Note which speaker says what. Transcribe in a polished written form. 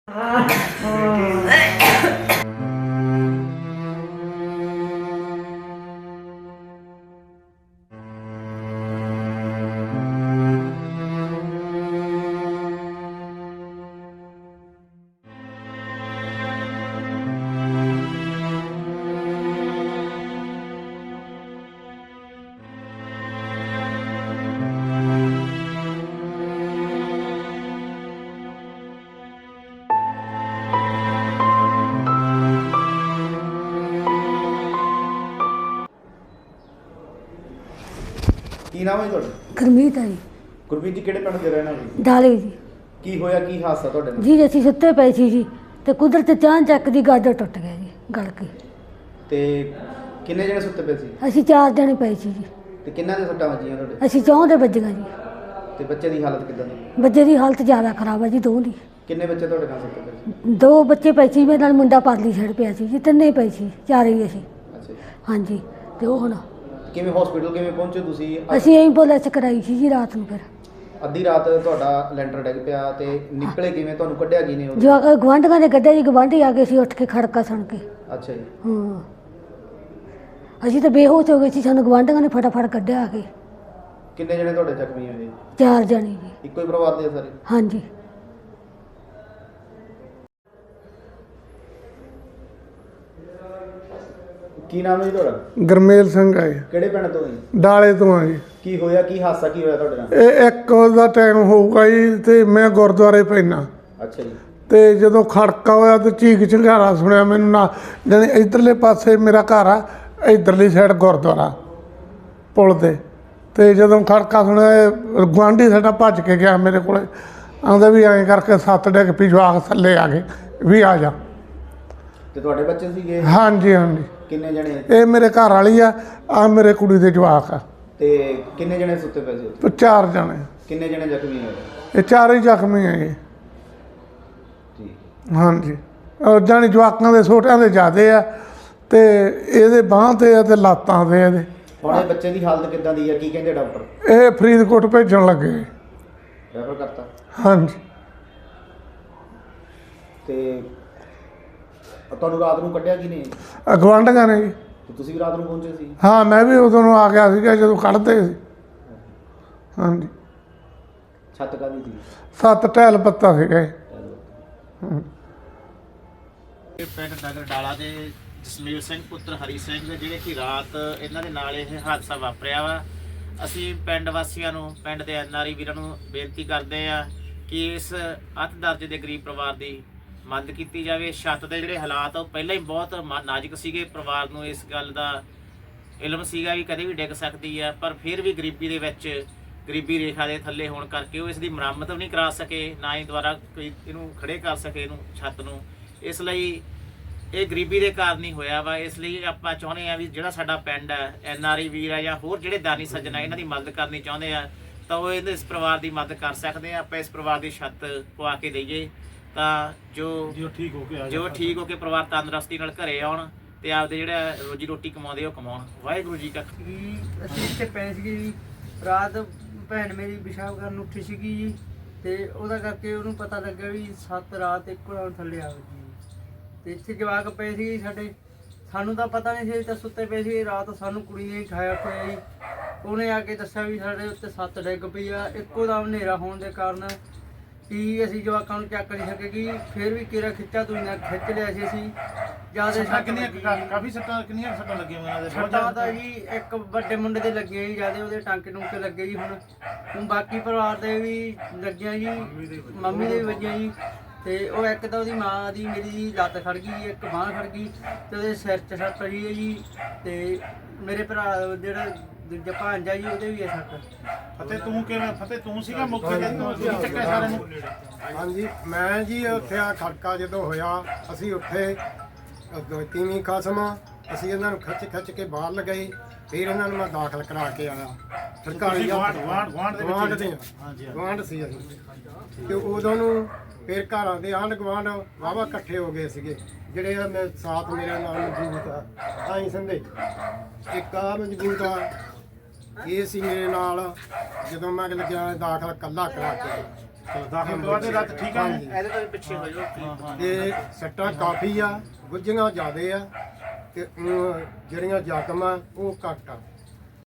Speaker 1: ਕੀ ਨਾਮ ਹੈ ਤੁਹਾਡਾ?
Speaker 2: ਗੁਰਮੀਤ ਹੈ ਜੀ।
Speaker 1: ਗੁਰਮੀਤ ਜੀ ਕਿਹੜੇ ਪਿੰਡ ਦੇ ਰਹਿਣ ਵਾਲੇ?
Speaker 2: ਡਾਲੇ ਜੀ।
Speaker 1: ਕੀ ਹੋਇਆ, ਕੀ ਹਾਦਸਾ ਤੁਹਾਡੇ ਨਾਲ?
Speaker 2: ਜੀ ਅਸੀਂ ਸੁੱਤੇ ਪਏ ਸੀ ਜੀ ਤੇ ਕੁਦਰਤ ਚਾਂ ਚੱਕ ਦੀ ਗਾਜਰ ਟੁੱਟ ਗਿਆ ਜੀ, ਗਲ ਕੇ।
Speaker 1: ਤੇ ਕਿੰਨੇ ਜਣੇ ਸੁੱਤੇ ਪਏ ਸੀ?
Speaker 2: ਅਸੀਂ 4 ਜਣੇ ਪਏ ਸੀ ਜੀ।
Speaker 1: ਤੇ ਕਿੰਨਾਂ ਦੇ ਸੱਟਾਂ ਵੱਜੀਆਂ ਤੁਹਾਡੇ?
Speaker 2: ਅਸੀਂ ਚੌਂ ਦੇ ਵੱਜੀਆਂ ਜੀ।
Speaker 1: ਤੇ ਬੱਚੇ ਦੀ ਹਾਲਤ ਕਿੱਦਾਂ ਦੀ?
Speaker 2: ਬੱਚੇ ਦੀ ਹਾਲਤ ਜ਼ਿਆਦਾ ਖਰਾਬ ਹੈ ਜੀ, ਦੋ ਦੀ।
Speaker 1: ਕਿੰਨੇ ਬੱਚੇ ਤੁਹਾਡੇ ਨਾਲ ਸੁੱਤੇ ਪਏ ਸੀ?
Speaker 2: 2 ਬੱਚੇ ਪਏ ਸੀ, ਮੇਰੇ ਨਾਲ ਮੁੰਡਾ ਪਰਲੀ ਸਾਈਡ ਪਿਆ ਸੀ ਜੀ, 3 ਪਏ ਸੀ, 4 ਹੀ ਅਸੀਂ।
Speaker 1: ਅੱਛਾ ਜੀ।
Speaker 2: ਹਾਂਜੀ। ਤੇ ਉਹ ਹੁਣ
Speaker 1: ਕਿਵੇਂ ਹਸਪੀਟਲ ਕਿਵੇਂ ਪਹੁੰਚੇ ਤੁਸੀਂ?
Speaker 2: ਅਸੀਂ ਐਂਬੂਲੈਂਸ ਕਰਾਈ ਸੀ ਜੀ ਰਾਤ ਨੂੰ। ਫਿਰ
Speaker 1: ਅੱਧੀ ਰਾਤ ਤੁਹਾਡਾ ਲੈਂਟਰ ਡਿੱਗ ਪਿਆ ਤੇ ਨਿਕਲੇ ਕਿਵੇਂ? ਤੁਹਾਨੂੰ ਕੱਢਿਆ ਕਿਨੇ?
Speaker 2: ਜੋ ਗੁਆਂਢੀਆਂ ਨੇ ਕੱਢਿਆ ਜੀ, ਗੁਆਂਢੀ ਆ ਗਏ ਸੀ ਉੱਠ ਕੇ ਖੜਕਾ ਸੁਣ ਕੇ।
Speaker 1: ਅੱਛਾ ਜੀ।
Speaker 2: ਹਾਂ, ਅਸੀਂ ਤਾਂ ਬੇਹੋਸ਼ ਹੋ ਗਏ ਸੀ, ਸਾਨੂੰ ਗੁਆਂਢੀਆਂ ਨੇ ਫਟਾਫਟ ਕੱਢਿਆ ਆ ਕੇ।
Speaker 1: ਕਿੰਨੇ ਜਣੇ ਤੁਹਾਡੇ ਜ਼ਖਮੀ ਹੋਏ?
Speaker 2: 4 ਜਣੇ ਜੀ।
Speaker 1: ਇੱਕੋ ਹੀ ਪਰਿਵਾਰ ਦੇ ਸਾਰੇ?
Speaker 2: ਹਾਂਜੀ।
Speaker 1: ਕੀ ਨਾਮ ਹੈ ਜੀ ਤੁਹਾਡਾ?
Speaker 3: ਗਰਮੇਲ ਸਿੰਘ ਹੈ।
Speaker 1: ਕਿਹੜੇ ਪਿੰਡ ਤੋਂ ਜੀ?
Speaker 3: ਡਾਲੇ ਤੋਂ ਆ ਜੀ।
Speaker 1: ਕੀ ਹੋਇਆ, ਕੀ ਹਾਦਸਾ ਕੀ ਹੋਇਆ ਤੁਹਾਡੇ ਨਾਲ?
Speaker 3: ਇਹ 1 ਦਾ ਟਾਈਮ ਹੋਊਗਾ ਜੀ ਤੇ ਮੈਂ ਗੁਰਦੁਆਰੇ ਪੈਣਾ
Speaker 1: ਅੱਛਾ ਜੀ।
Speaker 3: ਤੇ ਜਦੋਂ ਖੜਕਾ ਹੋਇਆ ਤੇ ਚੀਕ ਚਿੰਗਾਰਾ ਸੁਣਿਆ ਮੈਨੂੰ ਨਾ, ਜਾਣੀ ਇੱਧਰਲੇ ਪਾਸੇ ਮੇਰਾ ਘਰ ਆ, ਇੱਧਰਲੀ ਸਾਈਡ ਗੁਰਦੁਆਰਾ ਪੁਲ ਤੇ ਜਦੋਂ ਖੜਕਾ ਸੁਣਿਆ ਗੁਆਂਢੀ ਸਾਡਾ ਭੱਜ ਕੇ ਗਿਆ ਮੇਰੇ ਕੋਲੇ, ਆਉਂਦਾ ਵੀ ਐਂ ਕਰਕੇ 7 ਡਿੱਗ ਪਈ, ਜਵਾਕ ਥੱਲੇ ਆ ਗਏ ਵੀ ਆ ਜਾ।
Speaker 1: ਤੇ ਤੁਹਾਡੇ ਬੱਚੇ ਸੀਗੇ?
Speaker 3: ਹਾਂਜੀ ਹਾਂਜੀ।
Speaker 1: ਕਿੰਨੇ ਜਣੇ?
Speaker 3: ਇਹ ਮੇਰੇ ਘਰ ਵਾਲੀ ਆ ਮੇਰੇ ਕੁੜੀ ਦੇ ਜਵਾਕ ਆ।
Speaker 1: ਤੇ ਕਿੰਨੇ ਜਣੇ ਸੁੱਤੇ ਪਏ ਸੀ ਉੱਥੇ?
Speaker 3: 4 ਜਣੇ।
Speaker 1: ਕਿੰਨੇ ਜਣੇ ਜ਼ਖਮੀ ਹੋਏ?
Speaker 3: ਇਹ 4 ਹੀ ਜ਼ਖਮੀ ਹੈ ਜੀ।
Speaker 1: ਠੀਕ।
Speaker 3: ਹਾਂਜੀ। ਜਾਣੀ ਜਵਾਕਾਂ ਦੇ ਛੋਟਿਆਂ ਦੇ ਜ਼ਿਆਦੇ ਆ ਤੇ ਇਹਦੇ ਬਾਂਹ ਤੇ ਆ ਤੇ ਲੱਤਾਂ ਤੇ ਇਹਦੇ।
Speaker 1: ਹੁਣ ਇਹ ਬੱਚੇ ਦੀ ਹਾਲਤ ਕਿੱਦਾਂ ਦੀ ਹੈ? ਕੀ ਕਹਿੰਦੇ ਡਾਕਟਰ?
Speaker 3: ਇਹ ਫਰੀਦਕੋਟ ਭੇਜਣ ਲੱਗੇ।
Speaker 1: ਰੈਫਰ ਕਰਤਾ?
Speaker 3: ਹਾਂਜੀ।
Speaker 1: ਤੇ ਤੁਹਾਨੂੰ ਰਾਤ ਨੂੰ ਕੱਢਿਆ ਕੀ ਨਹੀਂ?
Speaker 3: ਗੁਆਂਢੀਆਂ ਨੇ ਜੀ।
Speaker 1: ਤੇ ਤੁਸੀਂ ਵੀ ਰਾਤ ਨੂੰ ਪਹੁੰਚੇ ਸੀ?
Speaker 3: ਹਾਂ, ਮੈਂ ਵੀ ਉਦੋਂ ਨੂੰ ਆ ਗਿਆ ਸੀਗਾ ਜਦੋਂ ਕੱਢਦੇ ਸੀ। ਹਾਂਜੀ।
Speaker 1: ਛੱਤ ਕਾਹਦੀ ਸੀ?
Speaker 3: 7 ਟਹਿਲ ਪੱਤਾ ਸੀਗਾ।
Speaker 4: ਪਿੰਡ ਨਗਰ ਡਾਲਾ ਦੇ ਜਸਮੀਰ ਸਿੰਘ ਪੁੱਤਰ ਹਰੀ ਸਿੰਘ ਜਿਹੜੇ ਕਿ ਰਾਤ ਇਹਨਾਂ ਦੇ ਨਾਲ ਇਹ ਹਾਦਸਾ ਵਾਪਰਿਆ ਵਾ। ਅਸੀਂ ਪਿੰਡ ਵਾਸੀਆਂ ਨੂੰ, ਪਿੰਡ ਦੇ ਐਨਆਰਆਈ ਵੀਰਾਂ ਨੂੰ ਬੇਨਤੀ ਕਰਦੇ ਆ ਕਿ ਇਸ ਅੱਧ ਦਰਜੇ ਦੇ ਗਰੀਬ ਪਰਿਵਾਰ ਦੀ ਮਦਦ ਕੀਤੀ ਜਾਵੇ। ਛੱਤ ਦੇ ਜਿਹੜੇ ਹਾਲਾਤ ਉਹ ਪਹਿਲਾਂ ਹੀ ਬਹੁਤ ਨਾਜ਼ੁਕ ਸੀਗੇ। ਪਰਿਵਾਰ ਨੂੰ ਇਸ ਗੱਲ ਦਾ ਇਲਮ ਸੀਗਾ ਵੀ ਕਦੇ ਵੀ ਡਿੱਗ ਸਕਦੀ ਆ, ਪਰ ਫਿਰ ਵੀ ਗਰੀਬੀ ਦੇ ਵਿੱਚ, ਗਰੀਬੀ ਰੇਖਾ ਦੇ ਥੱਲੇ ਹੋਣ ਕਰਕੇ ਉਹ ਇਸ ਦੀ ਮੁਰੰਮਤ ਵੀ ਨਹੀਂ ਕਰਾ ਸਕੇ, ਨਾ ਹੀ ਦੁਬਾਰਾ ਕੋਈ ਇਹਨੂੰ ਖੜੇ ਕਰ ਸਕੇ ਇਹਨੂੰ ਛੱਤ ਨੂੰ। ਇਸ ਲਈ ਇਹ ਗਰੀਬੀ ਦੇ ਕਾਰਨ ਹੀ ਹੋਇਆ ਵਾ। ਇਸ ਲਈ ਆਪਾਂ ਚਾਹੁੰਦੇ ਆ ਵੀ ਜਿਹੜਾ ਸਾਡਾ ਪਿੰਡ ਹੈ, ਐਨਆਰਆਈ ਵੀਰ ਆ ਜਾਂ ਹੋਰ ਜਿਹੜੇ ਦਾਨੀ ਸੱਜਣ ਆ, ਇਹਨਾਂ ਦੀ ਮਦਦ ਕਰਨੀ ਚਾਹੁੰਦੇ ਆ ਤਾਂ ਉਹ ਇਸ ਪਰਿਵਾਰ ਦੀ ਮਦਦ ਕਰ ਸਕਦੇ ਆ। ਆਪਾਂ ਇਸ ਪਰਿਵਾਰ ਦੀ ਛੱਤ ਪਵਾ ਕੇ ਦਈਏ ਤਾਂ ਜੋ ਠੀਕ ਹੋ ਕੇ ਪਰਿਵਾਰ ਤੰਦਰੁਸਤੀ ਨਾਲ ਘਰੇ ਆਉਣ ਤੇ ਆਪਦੇ ਜਿਹੜਾ ਰੋਜੀ ਰੋਟੀ ਕਮਾਉਂਦੇ ਉਹ ਕਮਾਉਣ। ਵਾਹਿਗੁਰੂ ਜੀ ਕਾ।
Speaker 5: ਅਸੀਂ ਇੱਥੇ ਪਏ ਸੀਗੇ ਜੀ ਰਾਤ, ਭੈਣ ਮੇਰੀ ਪਿਸ਼ਾਬ ਕਰਨ ਉੱਠੀ ਸੀਗੀ ਜੀ ਤੇ ਉਹਦਾ ਕਰਕੇ ਉਹਨੂੰ ਪਤਾ ਲੱਗਿਆ ਵੀ 7 ਰਾਤ ਇੱਕੋ ਨਾਲ ਥੱਲੇ ਆ ਗਈ ਤੇ ਇੱਥੇ ਜਵਾਕ ਪਏ ਸੀ ਸਾਡੇ। ਸਾਨੂੰ ਤਾਂ ਪਤਾ ਨਹੀਂ ਸੀ, ਤਾਂ ਸੁੱਤੇ ਪਏ ਸੀ ਰਾਤ। ਸਾਨੂੰ ਕੁੜੀ ਨੇ ਖਾਇਆ ਖੋਇਆ ਜੀ। ਉਹਨੇ ਆ ਕੇ ਦੱਸਿਆ ਵੀ ਸਾਡੇ ਉੱਤੇ 7 ਡਿੱਗ ਪਈ ਆ। ਇੱਕੋ ਦਮ ਹਨੇਰਾ ਹੋਣ ਦੇ ਕਾਰਨ ਕਿ ਅਸੀਂ ਜਵਾਕਾਂ ਨੂੰ ਚੱਕ ਨਹੀਂ ਸਕੇਗੀ। ਫਿਰ ਵੀ ਕਿਹੜਾ ਖਿੱਚਾ ਤੁਸੀਂ ਨਾ ਖਿੱਚ ਲਿਆ ਸੀ ਅਸੀਂ ਜਿਆਦਾ।
Speaker 4: ਕਾਫੀ ਸੱਟਾਂ ਕਿੰਨੀਆਂ ਸੱਟਾਂ ਲੱਗੀਆਂ ਉਹਨਾਂ ਦੇ?
Speaker 5: ਸੱਟਾਂ ਤਾਂ ਜੀ ਇੱਕ ਵੱਡੇ ਮੁੰਡੇ ਦੇ ਲੱਗੇ ਜੀ ਜਿਆਦਾ, ਉਹਦੇ ਟਾਂਕੇ ਟੂੰਕੇ ਲੱਗੇ ਜੀ। ਹੁਣ ਬਾਕੀ ਪਰਿਵਾਰ ਦੇ ਵੀ ਲੱਗੀਆਂ ਜੀ, ਮੰਮੀ ਦੇ ਵੀ ਵੱਜੀਆਂ ਜੀ। ਤੇ ਉਹ ਇੱਕ ਤਾਂ ਉਹਦੀ ਮਾਂ ਦੀ ਮੇਰੀ ਜੀ ਲੱਤ ਖੜ ਗਈ, ਇੱਕ ਬਾਂਹ ਖੜ ਗਈ ਤੇ ਉਹਦੇ ਸਿਰ 'ਚ ਸੱਟ ਪਈ ਹੈ ਜੀ। ਤੇ ਮੇਰੇ ਭਰਾ ਜਿਹੜਾ ਦੂਜਾ ਭਾਂਜਾ ਜੀ ਉਹਦੇ ਵੀ ਹੈ ਸੱਟ।
Speaker 4: ਫਤਿਹ ਤੂੰ ਕਿਵੇਂ? ਫਤਿਹ ਤੂੰ ਸੀਗਾ ਮੌਕੇ ਤੇ? ਤੂੰ ਚੱਕਿਆ ਸਾਰਿਆਂ ਨੂੰ?
Speaker 6: ਹਾਂਜੀ, ਮੈਂ ਜੀ ਉੱਥੇ ਆ ਖੜਕਾ ਜਦੋਂ ਹੋਇਆ ਅਸੀਂ ਉੱਥੇ ਤੀਵੀਂ ਕਸਮ ਅਸੀਂ ਇਹਨਾਂ ਨੂੰ ਖਿੱਚ ਕੇ ਬਾਹਰ ਲਗਾਈ। ਫਿਰ ਇਹਨਾਂ ਨੂੰ ਮੈਂ ਦਾਖਲ ਕਰਾ ਕੇ ਆਇਆ ਸਰਕਾਰੀ ਗੁਆਂਢ ਸੀ ਅਸੀਂ। ਤੇ ਉਦੋਂ ਨੂੰ ਫਿਰ ਘਰਾਂ ਦੇ ਆਂਢ ਗੁਆਂਢ ਵਾਹਵਾ ਇਕੱਠੇ ਹੋ ਗਏ ਸੀਗੇ ਜਿਹੜੇ ਸਾਥ ਮੇਰੇ ਨਾਲ ਮੌਜੂਦ ਆ। ਆਈ ਸੰਦੇ ਇੱਕ ਆ ਮੌਜੂਦ ਆ, ਇਹ ਸੀ ਮੇਰੇ ਨਾਲ ਜਦੋਂ ਮੈਂ ਲੱਗਿਆ ਦਾਖਲ ਕੱਲਾ ਕਰਾ ਕੇ। ਦਾਖਲ ਕਰਵਾ ਦੇ ਰੱਤ ਠੀਕ ਆ
Speaker 4: ਇਹਦੇ ਤੋਂ ਵੀ ਪਿੱਛੇ ਹੋ ਜਾਓ
Speaker 6: ਤੇ ਸੱਟਾਂ ਕਾਫੀ ਆ ਗੁੱਝੀਆਂ ਜ਼ਿਆਦੇ ਆ ਤੇ ਜਿਹੜੀਆਂ ਜ਼ਖਮ ਆ ਉਹ ਘੱਟ ਆ